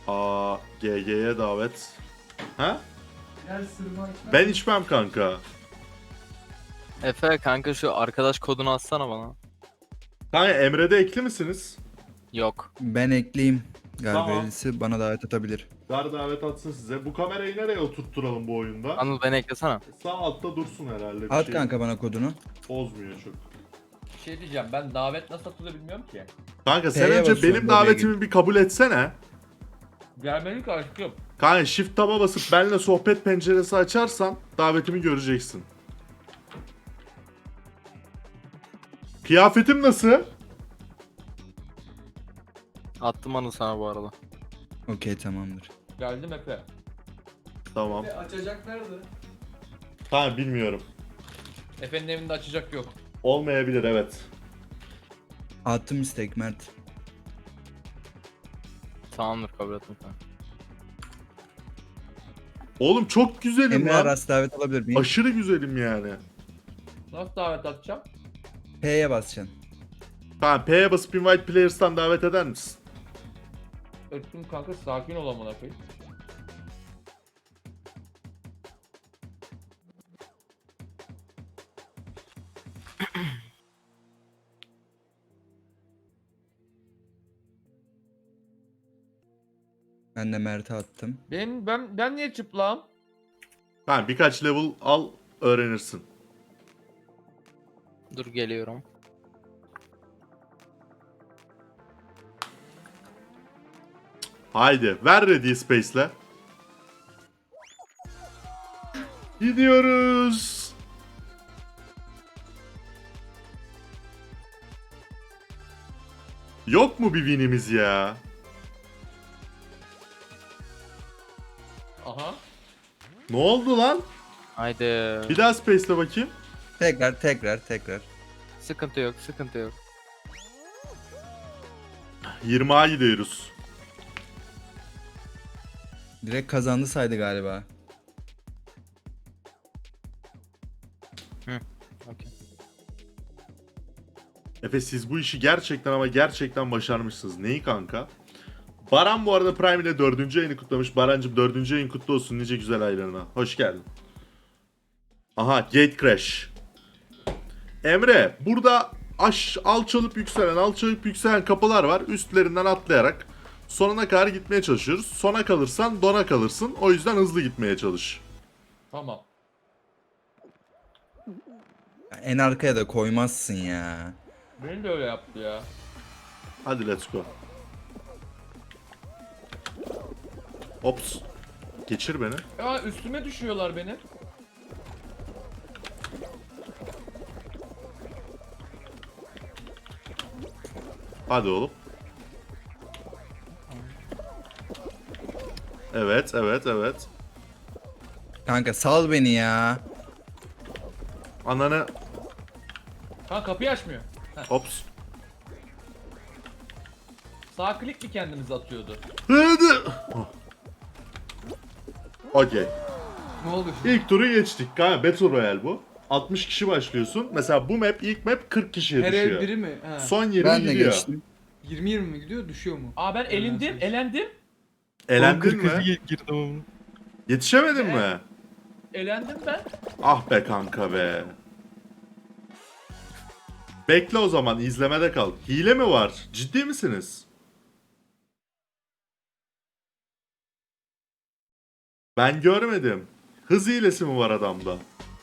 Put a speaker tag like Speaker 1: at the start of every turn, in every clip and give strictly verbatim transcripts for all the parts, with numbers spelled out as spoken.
Speaker 1: Aa, G G'ye davet. Ha?
Speaker 2: Gel sırma içmem.
Speaker 1: Ben içmem kanka.
Speaker 3: Efe kanka şu arkadaş kodunu atsana bana.
Speaker 1: Kanka Emre'de ekli misiniz?
Speaker 3: Yok.
Speaker 4: Ben ekleyeyim.
Speaker 1: Tamam.
Speaker 4: Galberisi bana davet atabilir.
Speaker 1: Gar davet atsın size. Bu kamerayı nereye oturtturalım bu oyunda?
Speaker 3: Anıl beni eklesene.
Speaker 1: Sağ altta dursun herhalde. Bir
Speaker 4: At
Speaker 1: şey
Speaker 4: kanka bana kodunu.
Speaker 1: bozmuyor çok.
Speaker 5: Bir şey diyeceğim, ben davet nasıl atılır bilmiyorum ki.
Speaker 1: Kanka sen
Speaker 4: P'ye
Speaker 1: önce
Speaker 4: basıyorum,
Speaker 1: benim
Speaker 4: oraya
Speaker 1: davetimi bir kabul etsene.
Speaker 5: Gelmedik aşkım.
Speaker 1: Kanka shift tab'a basıp benimle sohbet penceresi açarsan davetimi göreceksin. Kıyafetim nasıl?
Speaker 3: Attım Anıl sana bu arada.
Speaker 4: Okey tamamdır.
Speaker 5: Geldim Efe.
Speaker 1: Tamam.
Speaker 2: Ve açacaklardı.
Speaker 1: Tamam bilmiyorum.
Speaker 5: Efe'nin evinde açacak yok.
Speaker 1: Olmayabilir evet.
Speaker 4: Attım istek Mert.
Speaker 3: Tamamdır kabul ettim kanka.
Speaker 1: Oğlum çok güzelim
Speaker 4: Emre
Speaker 1: lan.
Speaker 4: Aras davet alabilir miyim?
Speaker 1: Aşırı güzelim yani.
Speaker 5: Nasıl davet atacağım?
Speaker 4: P'ye basacaksın.
Speaker 1: Tamam P'ye basıp invite players'tan davet eder misin?
Speaker 5: Öttüm kanka, sakin ol amına koyayım.
Speaker 4: Ben de Mert'e attım.
Speaker 5: Ben ben ben niye çıplağım?
Speaker 1: Tamam birkaç level al öğrenirsin.
Speaker 3: Dur geliyorum.
Speaker 1: Haydi ver ready space'le. Gidiyoruz. Yok mu bir winimiz ya?
Speaker 5: Aha.
Speaker 1: Ne oldu lan?
Speaker 3: Haydi.
Speaker 1: Bir daha space'le bakayım.
Speaker 4: Tekrar tekrar tekrar.
Speaker 3: Sıkıntı yok, sıkıntı yok.
Speaker 1: yirmi A gidiyoruz.
Speaker 4: Direkt kazandı saydı galiba.
Speaker 3: Okey.
Speaker 1: Efe siz bu işi gerçekten ama gerçekten başarmışsınız. Neyi kanka? Baran bu arada Prime ile dördüncü ayını kutlamış. Barancım dördüncü ayın kutlu olsun nice güzel aylarına. Hoş geldin. Aha Gate Crash. Emre burada aş, alçalıp yükselen alçalıp yükselen kapılar var. Üstlerinden atlayarak sonuna kadar gitmeye çalışıyoruz. Sona kalırsan dona kalırsın. O yüzden hızlı gitmeye çalış.
Speaker 5: Tamam.
Speaker 4: En arkaya da koymazsın ya.
Speaker 5: Beni de öyle yaptı ya.
Speaker 1: Hadi let's go. Ops. Geçir beni.
Speaker 5: Ya üstüme düşüyorlar benim.
Speaker 1: Hadi oğlum. Evet, evet, evet.
Speaker 4: Kanka sal beni ya.
Speaker 1: Ananı...
Speaker 5: Ha, kapıyı açmıyor.
Speaker 1: Ops.
Speaker 5: Sağ klik mi kendimizi atıyordu?
Speaker 1: Hadi. Okey.
Speaker 2: Ne oldu şimdi?
Speaker 1: İlk turu geçtik. Galiba Battle Royale bu. altmış kişi başlıyorsun. Mesela bu map, ilk map kırk kişiye
Speaker 2: Her ev
Speaker 1: düşüyor.
Speaker 2: biri mi? Ha.
Speaker 1: Son yirmi
Speaker 4: Ben de
Speaker 1: gidiyor.
Speaker 4: geçtim.
Speaker 2: yirmi yirmi mi gidiyor? Düşüyor mu?
Speaker 5: Aa ben elindim, elendim.
Speaker 1: Elendin mi?
Speaker 3: girdim ama.
Speaker 1: Yetişemedin
Speaker 5: Ne?
Speaker 1: mi?
Speaker 5: Elendim ben.
Speaker 1: Ah be kanka be. Bekle o zaman izlemede kal. Hile mi var? Ciddi misiniz? Ben görmedim. Hız hilesi mi var adamda?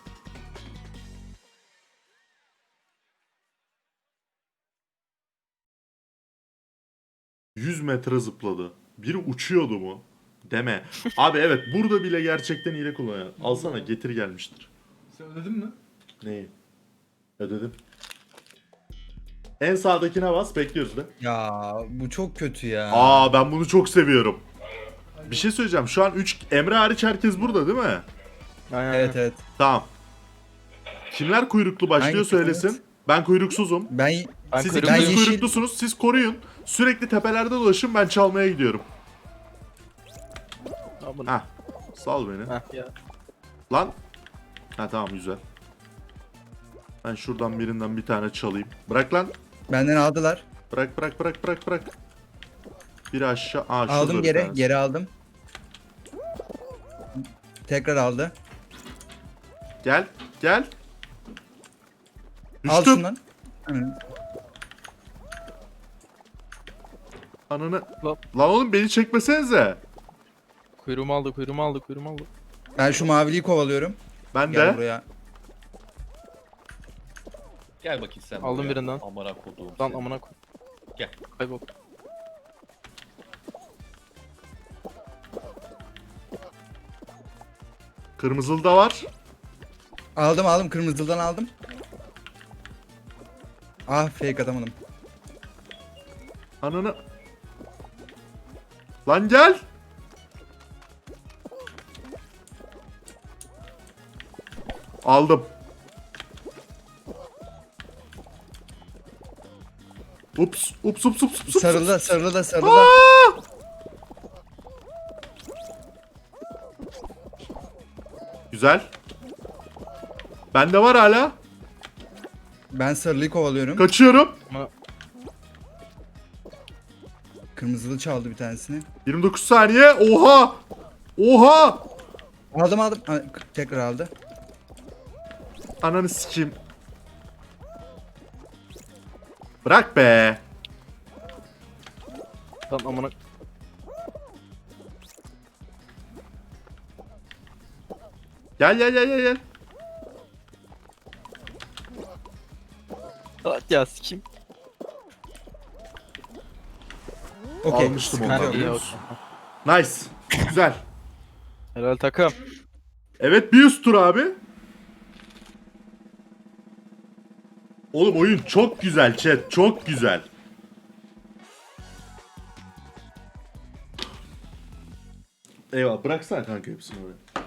Speaker 1: yüz metre zıpladı. Biri uçuyordu mu? Deme. Abi evet burada bile gerçekten hile kullanıyor. Alsana getir gelmiştir.
Speaker 2: Sen ödedin mi?
Speaker 1: Neyi? Ödedim. En sağdakine bas bekliyoruz da.
Speaker 4: Ya bu çok kötü ya.
Speaker 1: Aa ben bunu çok seviyorum. Bir şey söyleyeceğim. Şu an üç Emre hariç herkes burada değil mi?
Speaker 3: Aynen.
Speaker 4: Evet evet.
Speaker 1: Tamam. Kimler kuyruklu başlıyor
Speaker 4: Hangisi?
Speaker 1: söylesin. Ben kuyruksuzum.
Speaker 4: Ben
Speaker 3: Ben
Speaker 1: Siz
Speaker 3: kuyrukluyum.
Speaker 1: ikiniz
Speaker 4: Ben yeşil-
Speaker 1: kuyruklusunuz. Siz koruyun. Sürekli tepelerde dolaşın. Ben çalmaya gidiyorum.
Speaker 3: Abone.
Speaker 1: Hah. Sal beni.
Speaker 3: Heh, ya.
Speaker 1: Lan. Ha tamam güzel. Ben şuradan birinden bir tane çalayım. Bırak lan.
Speaker 4: benden aldılar.
Speaker 1: Bırak bırak bırak bırak bırak. Biri aşağı. Aa, şurada
Speaker 4: Aldım
Speaker 1: bir
Speaker 4: geri.
Speaker 1: tanesi.
Speaker 4: Geri aldım. Tekrar aldı.
Speaker 1: Gel. Gel.
Speaker 4: Al
Speaker 1: Düştüm.
Speaker 4: şundan. Hı.
Speaker 1: Ananı.
Speaker 3: Lan.
Speaker 1: Lan oğlum beni çekmesenize.
Speaker 3: Kuyruğumu aldı, kuyruğumu aldı, kuyruğumu aldı.
Speaker 4: Ben şu maviliyi kovalıyorum.
Speaker 1: Ben
Speaker 4: Gel
Speaker 1: de.
Speaker 4: buraya.
Speaker 5: Gel bakayım sen
Speaker 3: Aldım
Speaker 5: buraya.
Speaker 3: birinden.
Speaker 5: Amına koduğum
Speaker 3: Lan
Speaker 5: seni.
Speaker 3: amına koy.
Speaker 5: Gel.
Speaker 3: Kaybol.
Speaker 1: Kırmızılı da var.
Speaker 4: Aldım aldım. Kırmızıdan aldım. Ah fake atamadım.
Speaker 1: Ananı. Lan gel. Aldım. Ups, ups, ups, ups, ups.
Speaker 4: Sarılı da sarılı da sarılı da.
Speaker 1: Aa! Güzel. Bende var hala.
Speaker 4: Ben sarılıyı kovalıyorum.
Speaker 1: Kaçıyorum.
Speaker 3: Ama
Speaker 4: Kırmızılı çaldı bir tanesini.
Speaker 1: yirmi dokuz saniye. Oha! Oha!
Speaker 4: Aldım aldım. Ha, tekrar aldı.
Speaker 1: Ananı sikeyim. Bırak be.
Speaker 3: lan amına.
Speaker 1: Gel gel gel gel gel.
Speaker 3: Ah, ya sikeyim.
Speaker 4: Okey.
Speaker 1: Almıştım
Speaker 4: sıkıntı
Speaker 1: ondan,
Speaker 4: yok.
Speaker 1: biliyor
Speaker 3: iyi
Speaker 1: musun? Nice. Güzel.
Speaker 3: Helal takım.
Speaker 1: Evet, bir üst tur abi. Oğlum oyun çok güzel chat. Çok güzel. Eyvallah, bıraksana kanka hepsini oraya.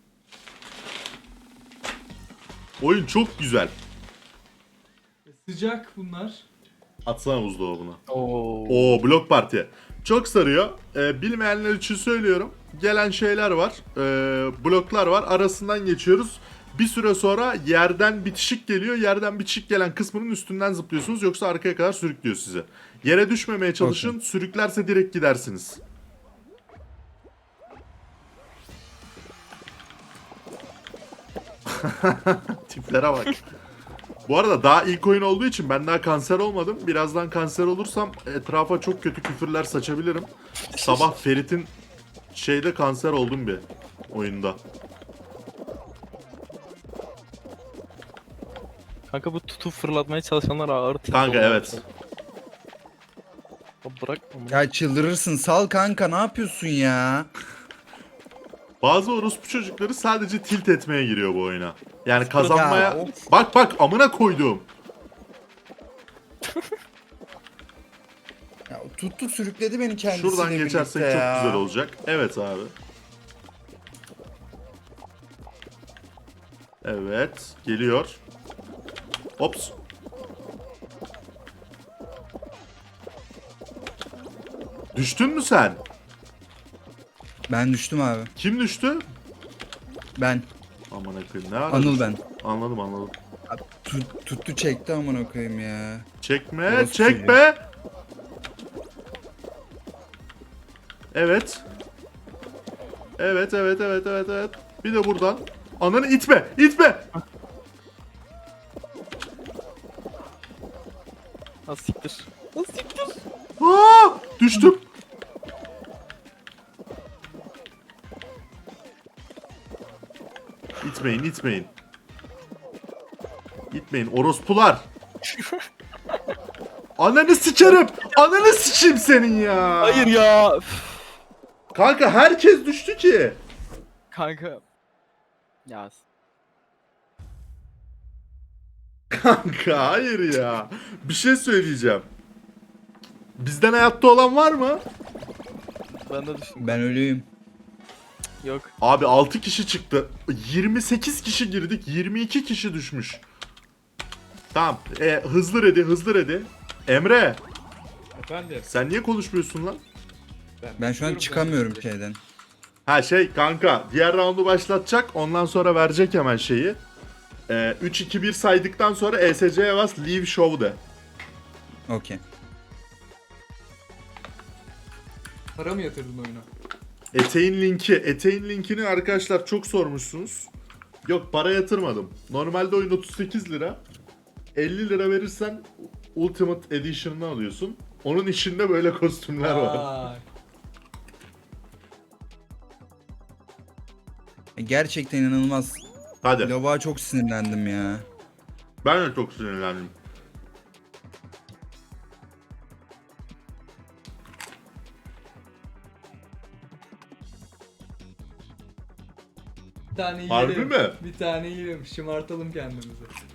Speaker 1: Oyun çok güzel.
Speaker 2: Sıcak bunlar.
Speaker 1: Atsana buzdolabına.
Speaker 3: Oo.
Speaker 1: Oo, blok parti. Çok sarıyor. Ee, bilmeyenler için söylüyorum. Gelen şeyler var. Ee, bloklar var. Arasından geçiyoruz. Bir süre sonra yerden bitişik geliyor. Yerden bitişik gelen kısmının üstünden zıplıyorsunuz. Yoksa arkaya kadar sürüklüyor sizi. Yere düşmemeye çalışın.
Speaker 4: Okey.
Speaker 1: Sürüklerse direkt gidersiniz. Tiplere bak. Bu arada daha ilk oyun olduğu için ben daha kanser olmadım. Birazdan kanser olursam etrafa çok kötü küfürler saçabilirim. Sabah Ferit'in şeyde kanser oldum bir oyunda.
Speaker 3: Kanka bu tutup fırlatmaya çalışanlar ağır tipi
Speaker 1: Kanka
Speaker 3: oluyor.
Speaker 1: evet.
Speaker 3: Abi bırak amına.
Speaker 4: Ya çıldırırsın. Sal kanka ne yapıyorsun ya?
Speaker 1: Bazı orospu çocukları sadece tilt etmeye giriyor bu oyuna. Yani kazanmaya...
Speaker 4: Ya, of.
Speaker 1: Bak bak amına koyduğum.
Speaker 4: Ya tuttu sürükledi beni kendisiyle
Speaker 1: Şuradan
Speaker 4: birlikte
Speaker 1: geçersek çok
Speaker 4: ya.
Speaker 1: güzel olacak. Evet abi. Evet. Geliyor. Ops. Düştün mü sen?
Speaker 4: Ben düştüm abi.
Speaker 1: Kim düştü?
Speaker 4: Ben.
Speaker 1: Aman akıyım ne ara
Speaker 4: Anıl
Speaker 1: düştün?
Speaker 4: ben.
Speaker 1: Anladım anladım.
Speaker 4: Tut, tuttu çekti amına koyayım ya.
Speaker 1: Çekme,
Speaker 4: Orası
Speaker 1: çekme. Evet. Evet, evet, evet, evet, evet. Bir de buradan. Ananı itme, itme.
Speaker 3: Ha siktir. Ha siktir.
Speaker 1: Aa, düştüm. İtmeyin, itmeyin. İtmeyin, orospular. Ananı sikerim. Ananı sikeyim senin ya.
Speaker 3: Hayır ya. Üf.
Speaker 1: Kanka herkes düştü ki.
Speaker 3: Kanka. Ya.
Speaker 1: Kanka hayır ya. Bir şey söyleyeceğim. Bizden hayatta olan var mı?
Speaker 3: Ben de düştüm.
Speaker 4: Ben ölüyüm.
Speaker 3: Yok.
Speaker 1: Abi altı kişi çıktı. yirmi sekiz kişi girdik. yirmi iki kişi düşmüş. Tamam. E, hızlı ready, hızlı ready. Emre,
Speaker 5: Efendim.
Speaker 1: sen niye konuşmuyorsun lan?
Speaker 4: Ben şu an
Speaker 5: biliyorum
Speaker 4: çıkamıyorum
Speaker 5: ben.
Speaker 4: şeyden.
Speaker 1: Ha şey kanka, diğer roundu başlatacak. Ondan sonra verecek hemen şeyi. E, üç iki bir saydıktan sonra E S C'ye bas, leave show de.
Speaker 4: Okey.
Speaker 2: Para mı yatırdın oyuna?
Speaker 1: Eteğin linki. Eteğin linkini arkadaşlar çok sormuşsunuz. Yok, para yatırmadım. Normalde oyun otuz sekiz lira. elli lira verirsen Ultimate Edition'ını alıyorsun. Onun içinde böyle kostümler var.
Speaker 2: Vay.
Speaker 4: Gerçekten inanılmaz.
Speaker 1: Hadi.
Speaker 4: Lova çok sinirlendim ya.
Speaker 1: Ben de çok sinirlendim.
Speaker 2: Bir tane yiyelim.
Speaker 1: Harbi mi?
Speaker 2: Bir tane yiyelim. Şımartalım kendimizi.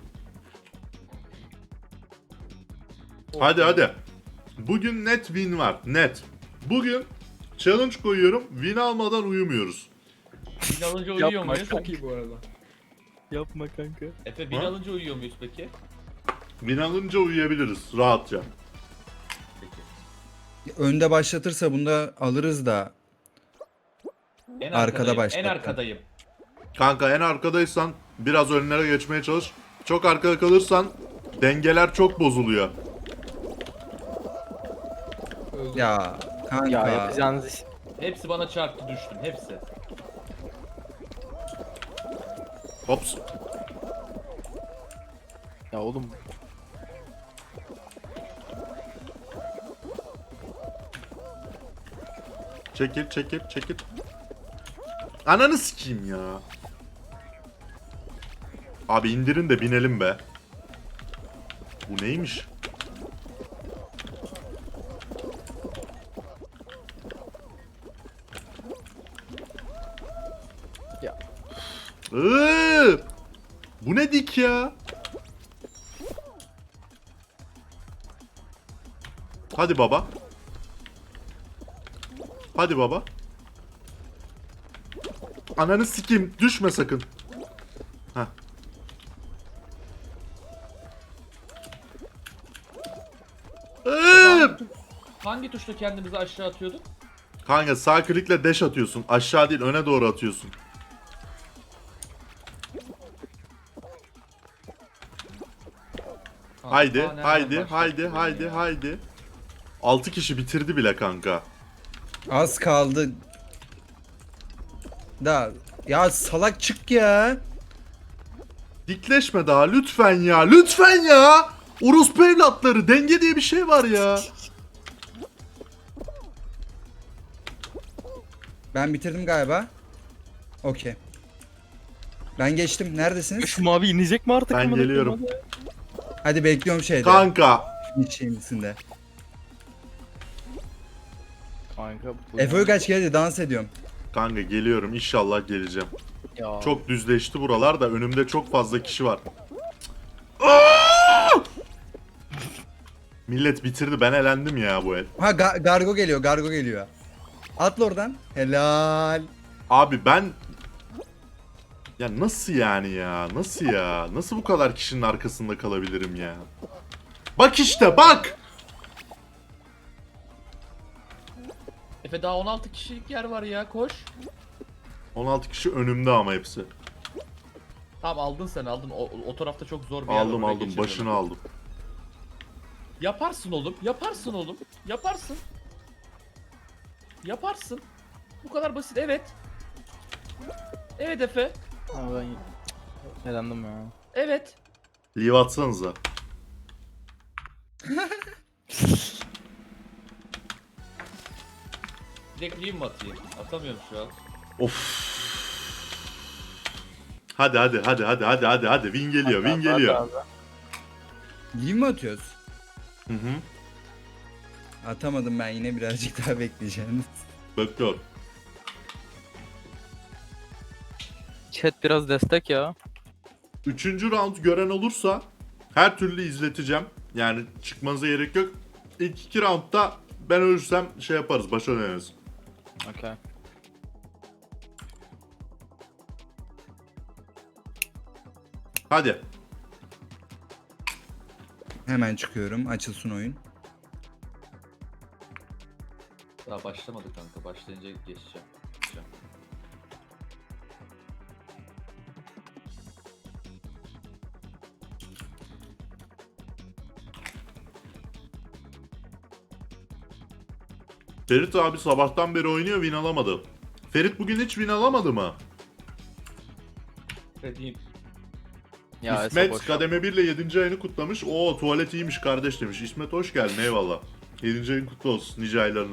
Speaker 1: Hadi hadi. Bugün net win var. Net. Bugün challenge koyuyorum. Win almadan uyumuyoruz.
Speaker 5: Bin alınca uyuyor
Speaker 3: Yapma,
Speaker 5: muyuz?
Speaker 2: Çok iyi bu arada.
Speaker 3: Yapma kanka.
Speaker 5: Efe bin
Speaker 1: Ha?
Speaker 5: alınca uyuyor muyuz peki?
Speaker 1: Win alınca uyuyabiliriz rahatça.
Speaker 5: Peki.
Speaker 4: Önde başlatırsa bunda alırız da.
Speaker 5: En
Speaker 4: Arkada
Speaker 5: arkadayım. En
Speaker 4: başlattı.
Speaker 5: arkadayım.
Speaker 1: Kanka en arkadaysan biraz önlere geçmeye çalış. Çok arkada kalırsan dengeler çok bozuluyor.
Speaker 2: Öldüm.
Speaker 4: Ya kanka.
Speaker 3: Ya yapacağınız iş.
Speaker 5: Hepsi bana çarptı düştüm. Hepsi.
Speaker 1: Hops.
Speaker 3: Ya oğlum.
Speaker 1: Çekil çekil çekil. Ananı sikeyim ya. Abi indirin de binelim be. Bu neymiş?
Speaker 3: Ya.
Speaker 1: Iıı! Bu ne dik ya? Hadi baba. Hadi baba. Ananı sikeyim. Düşme sakın. Heh. Iıı!
Speaker 5: Hangi tuşla kendimizi aşağı atıyorduk?
Speaker 1: Kanka sağ klikle dash atıyorsun. Aşağı değil öne doğru atıyorsun.
Speaker 5: Kanka,
Speaker 1: Haydi,
Speaker 5: daha nereden
Speaker 1: haydi,
Speaker 5: başlattın
Speaker 1: haydi,
Speaker 5: beni
Speaker 1: haydi,
Speaker 5: ya?
Speaker 1: haydi. altı kişi bitirdi bile kanka.
Speaker 4: Az kaldı. Da ya salak çık ya.
Speaker 1: Dikleşme daha lütfen ya, lütfen ya. Orospu evlatları, denge diye bir şey var ya.
Speaker 4: Ben bitirdim galiba. Okey. Ben geçtim. Neredesiniz?
Speaker 3: Şu mavi inecek mi artık?
Speaker 1: Ben
Speaker 3: amına koyayım
Speaker 1: geliyorum.
Speaker 3: hadi?
Speaker 4: Hadi bekliyorum şeyde.
Speaker 1: Kanka.
Speaker 4: Hiç şeyimsinde.
Speaker 3: Kanka bu.
Speaker 4: Efe Uygaç geldi dans ediyorum.
Speaker 1: Kanka geliyorum, inşallah geleceğim.
Speaker 3: Ya.
Speaker 1: Çok düzleşti buralar da önümde çok fazla kişi var. Aa! Millet bitirdi, ben elendim ya bu el.
Speaker 4: Ha ga- Gargo geliyor, Gargo geliyor. Atla oradan. Helal.
Speaker 1: Abi ben... Ya nasıl yani ya? Nasıl ya? Nasıl bu kadar kişinin arkasında kalabilirim ya? Bak işte bak!
Speaker 5: Efe daha on altı kişilik yer var ya, koş.
Speaker 1: on altı kişi önümde ama hepsi.
Speaker 5: Tamam aldın sen aldın. O, o tarafta çok zor bir yer var,
Speaker 1: Aldım
Speaker 5: oraya
Speaker 1: aldım,
Speaker 5: geçemiyorum.
Speaker 1: başını aldım.
Speaker 5: Yaparsın oğlum. Yaparsın oğlum. Yaparsın. Yaparsın. Bu kadar basit. Evet. Evet Efe.
Speaker 3: Ama ben elendim ya.
Speaker 5: Evet.
Speaker 1: Leave atsanıza.
Speaker 5: Direkt leave mi atayım? Atamıyorum şu an.
Speaker 1: Of. Hadi hadi hadi hadi hadi hadi hadi win geliyor, win geliyor.
Speaker 4: Leave mi atıyoruz?
Speaker 1: Hı hı.
Speaker 4: Atamadım ben, yine birazcık daha bekleyeceğim.
Speaker 1: Bekliyorum.
Speaker 3: Chat biraz destek ya.
Speaker 1: Üçüncü round gören olursa her türlü izleteceğim. Yani çıkmanıza gerek yok. İlk iki roundda ben ölürsem şey yaparız, başa döneriz.
Speaker 3: Okey.
Speaker 1: Hadi.
Speaker 4: Hemen çıkıyorum, açılsın oyun.
Speaker 5: Daha başlamadı kanka. Başlayınca geçeceğim. Geçeceğim.
Speaker 1: Ferit abi sabahtan beri oynuyor, win alamadı. Ferit bugün hiç win alamadı mı?
Speaker 6: Dediğim.
Speaker 3: Ya Efe
Speaker 1: İsmet
Speaker 3: boş ver.
Speaker 1: kademe bir ile yedinci ayını kutlamış. Oo tuvalet iyiymiş kardeş demiş. İsmet hoş geldin, eyvallah. yedinci ayın kutlu olsun nice aylarına.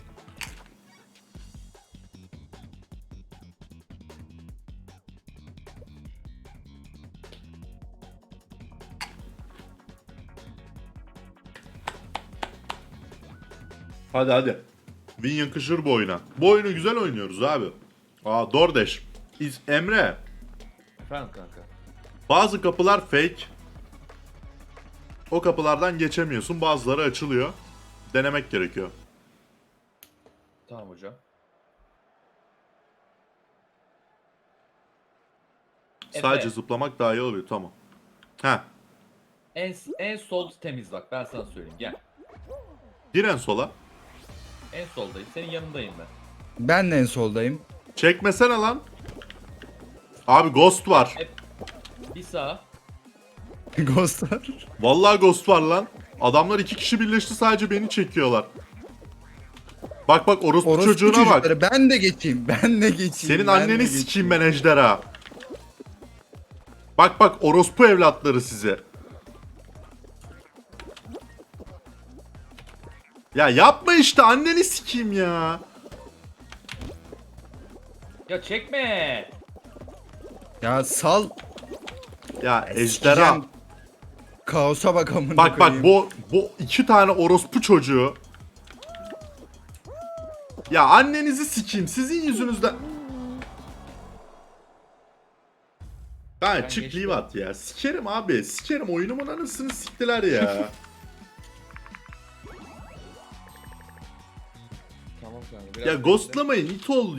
Speaker 1: Hadi hadi. Win yakışır bu oyuna. Bu oyunu güzel oynuyoruz abi. Aa Dordeş. İz Emre.
Speaker 6: Efendim kanka.
Speaker 1: Bazı kapılar fake. O kapılardan geçemiyorsun. Bazıları açılıyor. Denemek gerekiyor.
Speaker 6: Tamam hocam.
Speaker 1: Sadece
Speaker 6: Efe,
Speaker 1: zıplamak daha iyi oluyor. Tamam. Ha.
Speaker 6: en, en sol temiz bak ben sana söyleyeyim gel.
Speaker 1: Gir en sola.
Speaker 6: En soldayım senin yanındayım ben.
Speaker 4: Ben de en soldayım.
Speaker 1: Çekmesene lan. Abi ghost var.
Speaker 6: Bir sağa.
Speaker 4: Ghostlar.
Speaker 1: Vallahi ghost var lan. Adamlar iki kişi birleşti sadece beni çekiyorlar. Bak bak orospu,
Speaker 4: Orospu
Speaker 1: çocuğuna bak.
Speaker 4: çocukları. Ben de geçeyim. Ben de geçeyim.
Speaker 1: Senin
Speaker 4: ben de
Speaker 1: anneni
Speaker 4: geçeyim.
Speaker 1: sikeyim ben ejderha. Bak bak orospu evlatları size. Ya yapma işte, anneni sikeyim ya.
Speaker 6: Ya çekme.
Speaker 4: Ya sal.
Speaker 1: Ya ejderha.
Speaker 4: Sikeceğim. Kaosa bak amına
Speaker 1: Bak bak
Speaker 4: koyayım.
Speaker 1: bu bu iki tane orospu çocuğu. Ya annenizi sikeyim sizin yüzünüzden. Ha
Speaker 6: Ben
Speaker 1: çık
Speaker 6: geçtim.
Speaker 1: leave at ya. Sikerim abi. Sikerim, oyunumun anasını siktiler ya.
Speaker 6: Tamam kanka. Biraz
Speaker 1: Ya
Speaker 6: bekle.
Speaker 1: ghostlamayın it ol.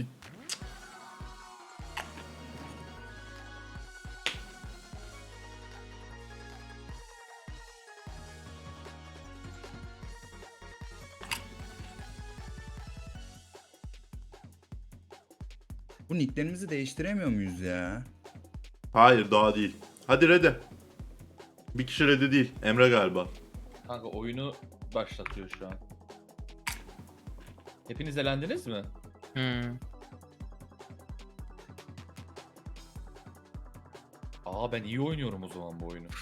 Speaker 4: Bu nicklerimizi değiştiremiyor muyuz ya?
Speaker 1: Hayır daha değil. Hadi ready. Bir kişi ready değil. Emre galiba.
Speaker 6: Kanka oyunu başlatıyor şu an. Hepiniz elendiniz mi?
Speaker 3: Hmm.
Speaker 6: Aa ben iyi oynuyorum o zaman bu oyunu.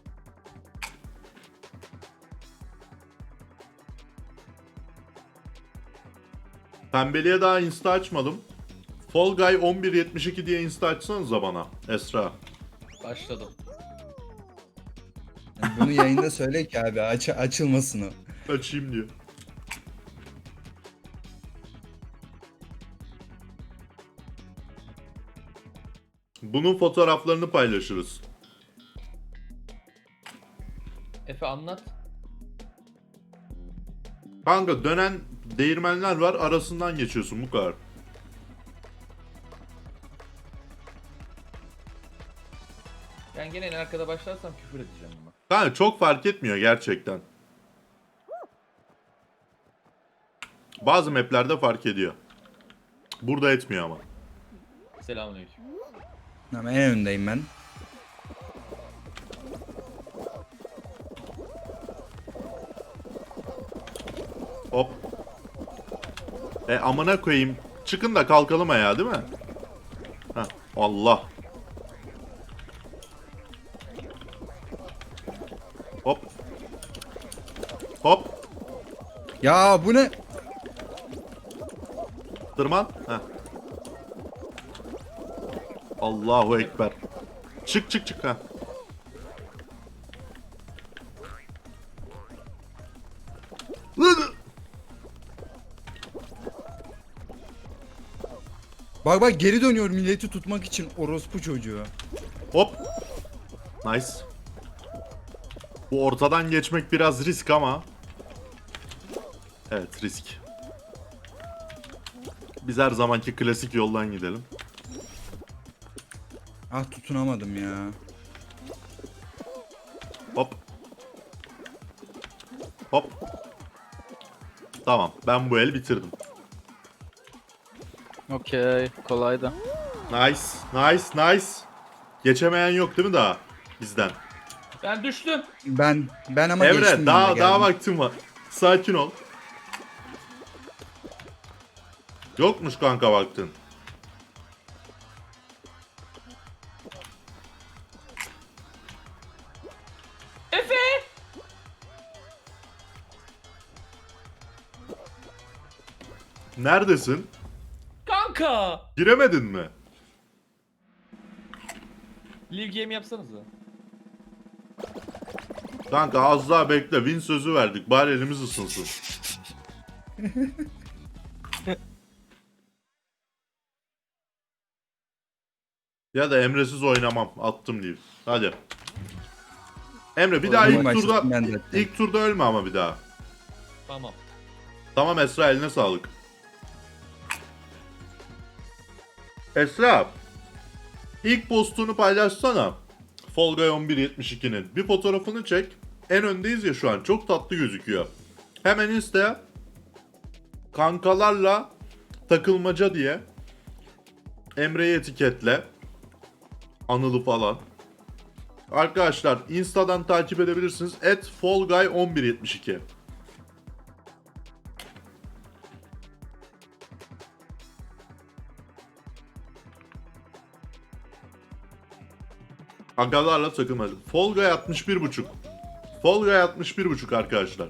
Speaker 1: Pembeliğe daha insta açmadım. Fall Guy on bir yetmiş iki diye insta açsanıza bana. Esra.
Speaker 6: Başladım.
Speaker 4: Yani bunu yayında söyle ki abi aç açılmasın o.
Speaker 1: Açayım diyor. Bunun fotoğraflarını paylaşırız.
Speaker 6: Efe anlat.
Speaker 1: Kanka dönen değirmenler var, arasından geçiyorsun, bu kadar.
Speaker 6: Ben gene en arkada başlarsam küfür edeceğim ama.
Speaker 1: Kanka çok fark etmiyor gerçekten. Bazı maplerde fark ediyor. Burada etmiyor ama.
Speaker 6: Selamünaleyküm.
Speaker 4: Ama en öndeyim ben.
Speaker 1: Hop. E amına koyayım. Çıkın da kalkalım ayağa değil mi? Heh, Allah. Hop. Hop.
Speaker 4: Ya bu ne?
Speaker 1: Tırman. Heh. Allahu Ekber. Çık çık çık ha.
Speaker 4: Bak bak geri dönüyor milleti tutmak için orospu çocuğu.
Speaker 1: Hop. Nice. Bu ortadan geçmek biraz risk ama. Evet risk. Biz her zamanki klasik yoldan gidelim.
Speaker 4: Ah tutunamadım ya.
Speaker 1: Hop. Hop. Tamam ben bu el bitirdim.
Speaker 3: Okey. Kolaydı.
Speaker 1: Nice. Nice. Nice. Geçemeyen yok değil mi daha? Bizden.
Speaker 6: Ben düştüm.
Speaker 4: Ben ben ama geçtim
Speaker 1: Emre
Speaker 4: ben
Speaker 1: daha
Speaker 4: de,
Speaker 1: daha
Speaker 4: geldim.
Speaker 1: vaktim var. Sakin ol. Yokmuş kanka baktın.
Speaker 6: Efe!
Speaker 1: Neredesin?
Speaker 6: Kanka!
Speaker 1: Giremedin mi?
Speaker 6: Live game yapsanıza.
Speaker 1: Kanka az daha bekle. Win sözü verdik. Bari elimiz ısınsın. Ya da Emre'siz oynamam. Attım diyeyim. Hadi. Emre bir daha
Speaker 4: Oyunu
Speaker 1: ilk
Speaker 4: başlasın
Speaker 1: turda
Speaker 4: ben de.
Speaker 1: ilk turda ölme ama bir daha.
Speaker 6: Tamam.
Speaker 1: Tamam Esra, eline sağlık. Esra. İlk postunu paylaşsana. Fall Guy on bir yetmiş ikinin. Bir fotoğrafını çek. En öndeyiz ya şu an. Çok tatlı gözüküyor. Hemen iste. Kankalarla takılmaca diye. Emre'yi etiketle. Anıl'ı falan. Arkadaşlar Insta'dan takip edebilirsiniz. at fallguy on bir yetmiş iki. Agalarla takılmaca. Fall Guy altmış bir buçuk. Fall Guy altmış bir buçuk arkadaşlar.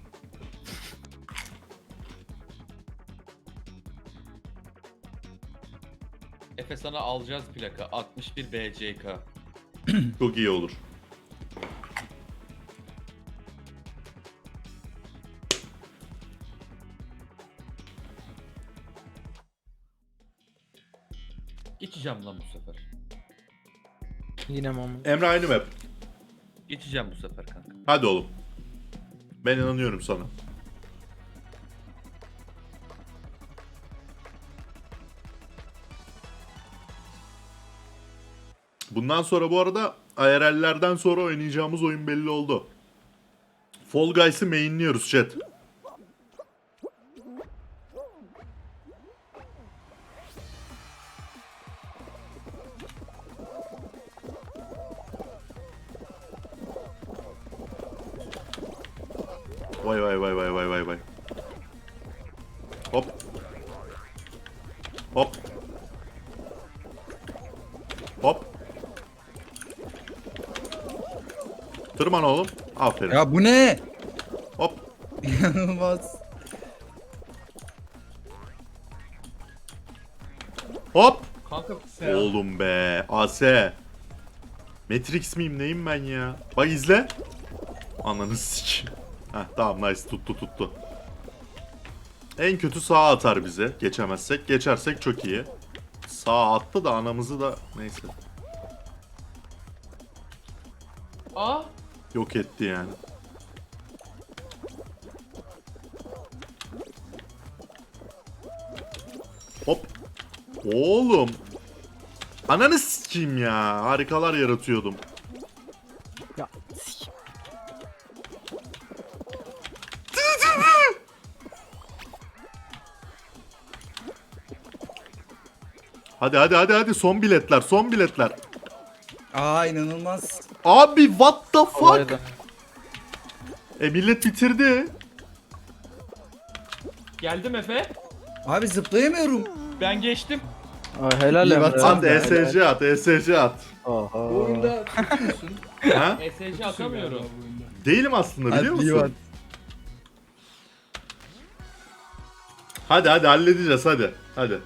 Speaker 6: Efe sana alacağız plaka. altmış bir B C K.
Speaker 1: Çok iyi olur.
Speaker 6: Geçeceğim lan bu sefer.
Speaker 3: Yine mi ama?
Speaker 1: Emre aynı map.
Speaker 6: Geçeceğim bu sefer kanka.
Speaker 1: Hadi oğlum. Ben inanıyorum sana. Bundan sonra bu arada I R L'lerden sonra oynayacağımız oyun belli oldu. Fall Guys'ı mainliyoruz chat. Vay vay vay vay vay vay vay. Hop. Hop. Hop. Tırman oğlum. Aferin.
Speaker 4: Ya bu ne?
Speaker 1: Hop.
Speaker 4: İnanılmaz.
Speaker 1: Hop.
Speaker 6: Kanka
Speaker 1: Oğlum be. A S. Matrix miyim neyim ben ya? Bak izle. Ananı sik. Heh tamam nice tuttu tuttu. En kötü sağa atar bize. Geçemezsek. Geçersek çok iyi. Sağa attı da anamızı da neyse.
Speaker 6: Aa!
Speaker 1: Yok etti yani. Hop. Oğlum. Ananı sikeyim ya. Harikalar yaratıyordum.
Speaker 3: Ya s***.
Speaker 1: Hadi hadi hadi hadi son biletler son biletler.
Speaker 4: Aa inanılmaz.
Speaker 1: Abi what the fuck?
Speaker 3: Olaydı.
Speaker 1: E millet bitirdi.
Speaker 6: Geldim Efe.
Speaker 4: Abi zıplayamıyorum.
Speaker 6: Ben geçtim.
Speaker 3: Aa, helal
Speaker 4: İyi
Speaker 3: Emre.
Speaker 4: baksana.
Speaker 1: At E S C at E S C at.
Speaker 2: Bu
Speaker 3: Oha.
Speaker 2: oyunda kötü müsün?
Speaker 1: Ha?
Speaker 6: E S C
Speaker 2: Kötüsün galiba
Speaker 6: atamıyorum.
Speaker 2: bu oyunda.
Speaker 1: Değilim aslında biliyor
Speaker 4: Hadi iyi bak.
Speaker 1: musun? Hadi hadi halledeceğiz hadi. Hadi.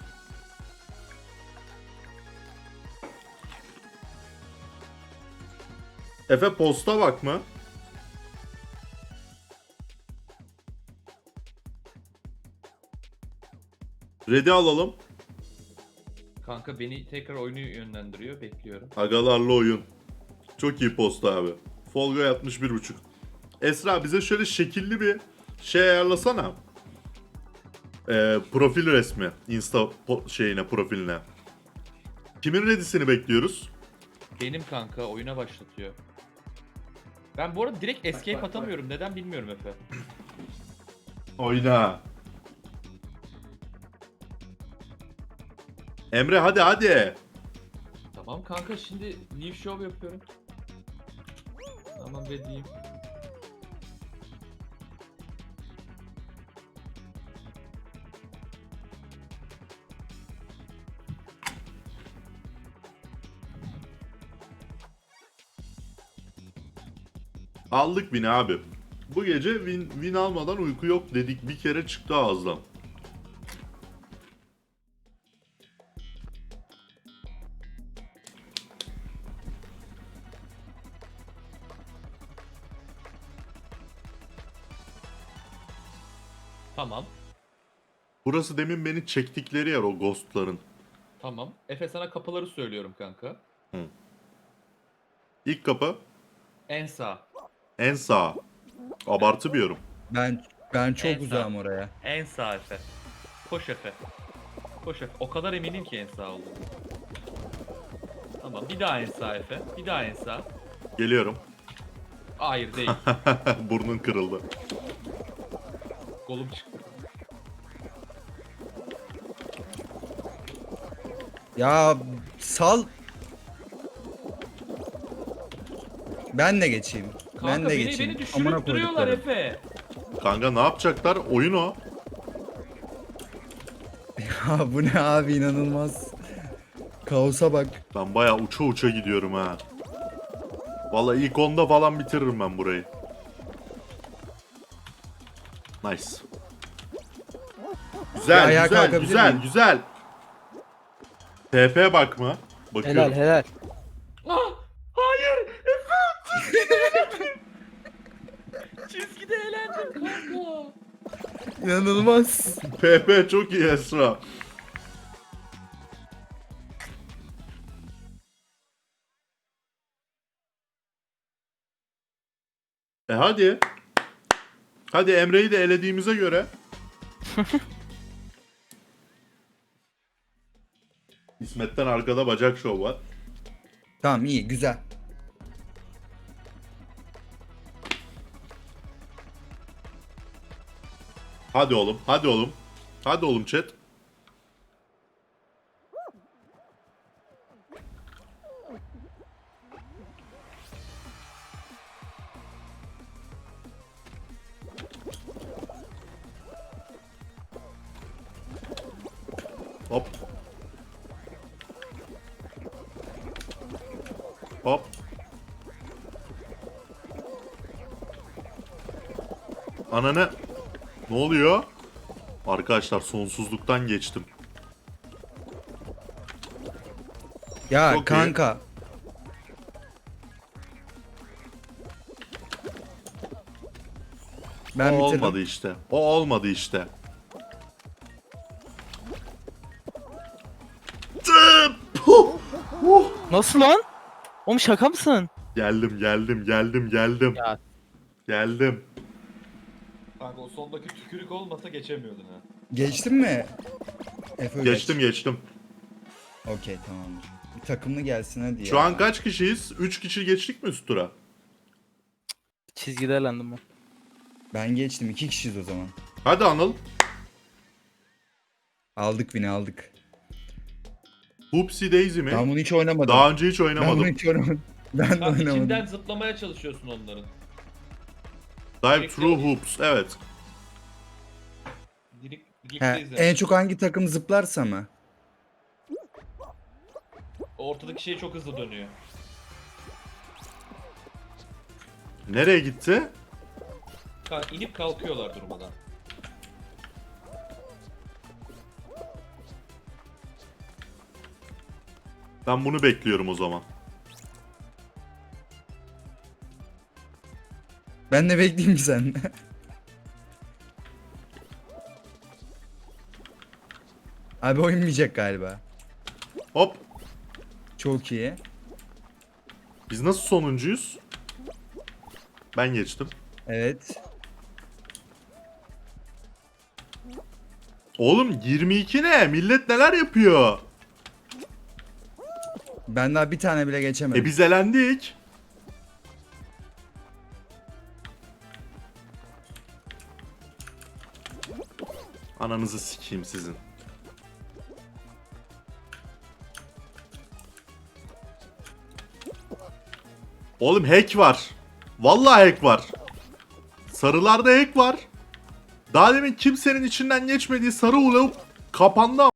Speaker 1: Efe posta bak mı? Ready alalım.
Speaker 6: Kanka beni tekrar oyunu yönlendiriyor. Bekliyorum.
Speaker 1: Agalarla oyun. Çok iyi posta abi. Fall Guy altmış bir buçuk. Esra bize şöyle şekilli bir şey ayarlasana. Ee, profil resmi. Insta po- şeyine profiline. Kimin ready'sini bekliyoruz?
Speaker 6: Benim kanka oyuna başlatıyor. Ben bu arada direkt escape
Speaker 2: bak, bak.
Speaker 6: atamıyorum. Neden bilmiyorum Efe.
Speaker 1: Oyna. Emre hadi hadi.
Speaker 6: Tamam kanka şimdi live show yapıyorum. Tamam be diyeyim.
Speaker 1: Aldık win abi. Bu gece win, win almadan uyku yok dedik. Bir kere çıktı ağızdan.
Speaker 6: Tamam.
Speaker 1: Burası demin beni çektikleri yer o ghostların.
Speaker 6: Tamam. Efe sana kapıları söylüyorum kanka.
Speaker 1: İlk kapı
Speaker 6: En sağ.
Speaker 1: en sağ. Abartı bir yorum.
Speaker 4: Ben ben çok
Speaker 6: En sağ.
Speaker 4: uzağım oraya.
Speaker 6: En sağ Efe. Koş Efe. Koş Efe. O kadar eminim ki en sağ olduğunu. Tamam. Bir daha en sağ Efe. Bir daha en sağ.
Speaker 1: Geliyorum.
Speaker 6: Hayır değil.
Speaker 1: Burnun kırıldı.
Speaker 6: Kolum çıktı.
Speaker 4: Ya sal. Ben de geçeyim.
Speaker 6: Kanka
Speaker 4: ben de
Speaker 6: beni,
Speaker 4: geçeyim.
Speaker 6: beni
Speaker 4: Amına
Speaker 6: düşürüp duruyorlar
Speaker 4: koyduklarım.
Speaker 6: Efe.
Speaker 1: Kanka ne yapacaklar? Oyun o.
Speaker 4: Ya bu ne abi, inanılmaz. Kaosa bak.
Speaker 1: Ben bayağı uça uça gidiyorum ha. Vallahi ilk onda falan bitiririm ben burayı. Nice. Güzel,
Speaker 4: ayağa
Speaker 1: güzel,
Speaker 4: kalkabilir
Speaker 1: güzel,
Speaker 4: miyim?
Speaker 1: güzel. T P bakma. Bakıyorum.
Speaker 3: Helal helal.
Speaker 6: Ah! Hayır! Efe! Çizgide eğlendim kanka.
Speaker 4: İnanılmaz.
Speaker 1: P P çok iyi Esra. E hadi. Hadi Emre'yi de elediğimize göre. İsmet'ten arkada bacak şov var.
Speaker 4: Tamam, iyi, güzel.
Speaker 1: Hadi oğlum, hadi oğlum. Hadi oğlum chat. Hop. Hop. Ananı. Ne oluyor? Arkadaşlar sonsuzluktan geçtim.
Speaker 4: Ya
Speaker 1: Çok iyi.
Speaker 4: kanka. Ben
Speaker 1: o
Speaker 4: bitirdim.
Speaker 1: olmadı işte. O olmadı işte. Tıp! Puh! Huh!
Speaker 3: Nasıl lan? Oğlum şaka mısın?
Speaker 1: Geldim, geldim, geldim, geldim.
Speaker 3: Ya.
Speaker 1: Geldim.
Speaker 6: Kanka o sondaki tükürük olmasa geçemiyordun ha.
Speaker 4: Geçtin mi? Efe
Speaker 1: Geçtim, geçtim.
Speaker 4: Okey, tamamdır. Bir takımlı gelsin hadi
Speaker 1: Şu
Speaker 4: ya.
Speaker 1: an kaç kişiyiz? üç kişi geçtik mi üst tura?
Speaker 3: Çizgide eğlendim ben.
Speaker 4: Ben geçtim. iki kişiyiz o zaman.
Speaker 1: Hadi Anıl.
Speaker 4: Aldık bini aldık.
Speaker 1: Hoopsie Daisy mi?
Speaker 4: Ben bunu hiç oynamadım.
Speaker 1: Daha önce hiç
Speaker 4: ben bunu
Speaker 1: oynamadım.
Speaker 4: hiç oynamadım. Ben de
Speaker 6: Kanka
Speaker 4: oynamadım.
Speaker 6: içinden zıplamaya çalışıyorsun onların.
Speaker 1: Dive Through Hoops. Evet.
Speaker 6: Direkt,
Speaker 4: He,
Speaker 6: birlikte izle.
Speaker 4: en çok hangi takım zıplarsa mı?
Speaker 6: Ortadaki şey çok hızlı dönüyor.
Speaker 1: Nereye gitti?
Speaker 6: Kanka inip kalkıyorlar durmadan.
Speaker 1: Ben bunu bekliyorum o zaman.
Speaker 4: Ben de bekleyeyim sen. Abi oynamayacak galiba.
Speaker 1: Hop.
Speaker 4: Çok iyi.
Speaker 1: Biz nasıl sonuncuyuz? Ben geçtim.
Speaker 4: Evet.
Speaker 1: Oğlum yirmi iki ne? Millet neler yapıyor?
Speaker 4: Ben daha bir tane bile geçemedim.
Speaker 1: E biz elendik. Ananızı sikeyim sizin. Oğlum hack var. Vallahi hack var. Sarılarda hack var. Daha demin kimsenin içinden geçmediği sarı ulup kapandı.